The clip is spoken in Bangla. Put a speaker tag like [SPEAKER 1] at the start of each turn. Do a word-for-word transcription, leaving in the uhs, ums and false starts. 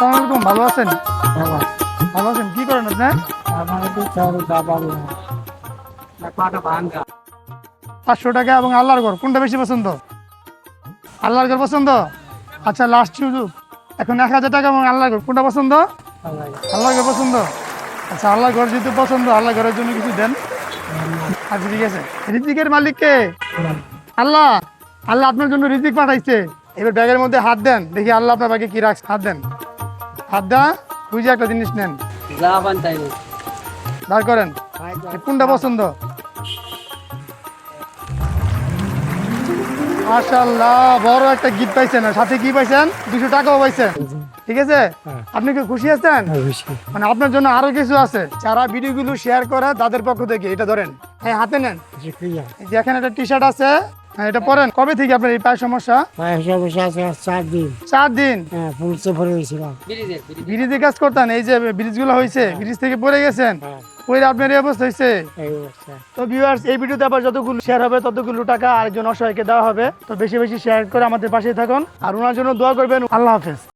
[SPEAKER 1] আসসালামু আলাইকুম, ভালো আছেন? ভালো আছেন, কি করেন আপনি? পাঁচশো টাকা এবং আল্লাহর ঘর কোনটা বেশি পছন্দ? আল্লাহর ঘর পছন্দ। আচ্ছা, লাস্ট সুযোগ, এখন এক হাজার টাকা এবং আল্লাহর ঘর কোনটা পছন্দ? আল্লাহর ঘর পছন্দ। আচ্ছা, আল্লাহর ঘর যেহেতু পছন্দ, আল্লাহ ঘরের জন্য কিছু দেন। আচ্ছা, ঠিক আছে। রিজিকের মালিক কে? আল্লাহ। আল্লাহ আপনার জন্য রিজিক পাঠাইছে। এবার ব্যাগের মধ্যে হাত দেন, দেখি আল্লাহ আপনার ব্যাগে কি রাখছে। হাত দেন, হাত দা বুঝে একটা জিনিস নেন, বার করেন কোনটা পছন্দ। মাশাআল্লাহ, বড় একটা গিফট পাইছেন, আর সাথে কি পাইছেন? দুশো টাকাও পাইছেন। ঠিক আছে, আপনি কি খুশি আছেন? মানে আপনার জন্য আরো কিছু আছে, যারা ভিডিওগুলো শেয়ার করে তাদের পক্ষ থেকে এটা ধরেন, হ্যাঁ হাতে নেন। যে এখানে একটা টি শার্ট আছে, হ্যাঁ এটা পরেন। কবে থেকে আপনার এই পায়ের সমস্যা?
[SPEAKER 2] চার দিন
[SPEAKER 1] চার দিন
[SPEAKER 2] হ্যাঁ পুলিশে ভরে গেছিলাম।
[SPEAKER 1] ব্রিজে কাজ করতেন, এই যে ব্রিজ গুলো হয়েছে, ব্রিজ থেকে পড়ে গেছেন, পরে আপনার এই অবস্থা হয়েছে।
[SPEAKER 2] এই অবস্থা।
[SPEAKER 1] তো ভিউয়ার্স, এই ভিডিওতে আবার যতগুলো শেয়ার হবে ততগুলো টাকা আরেকজন অসহায়কে দেওয়া হবে। তো বেশি বেশি শেয়ার করে আমাদের পাশে থাকুন, আর ওনার জন্য দোয়া করবেন। আল্লাহ হাফেজ।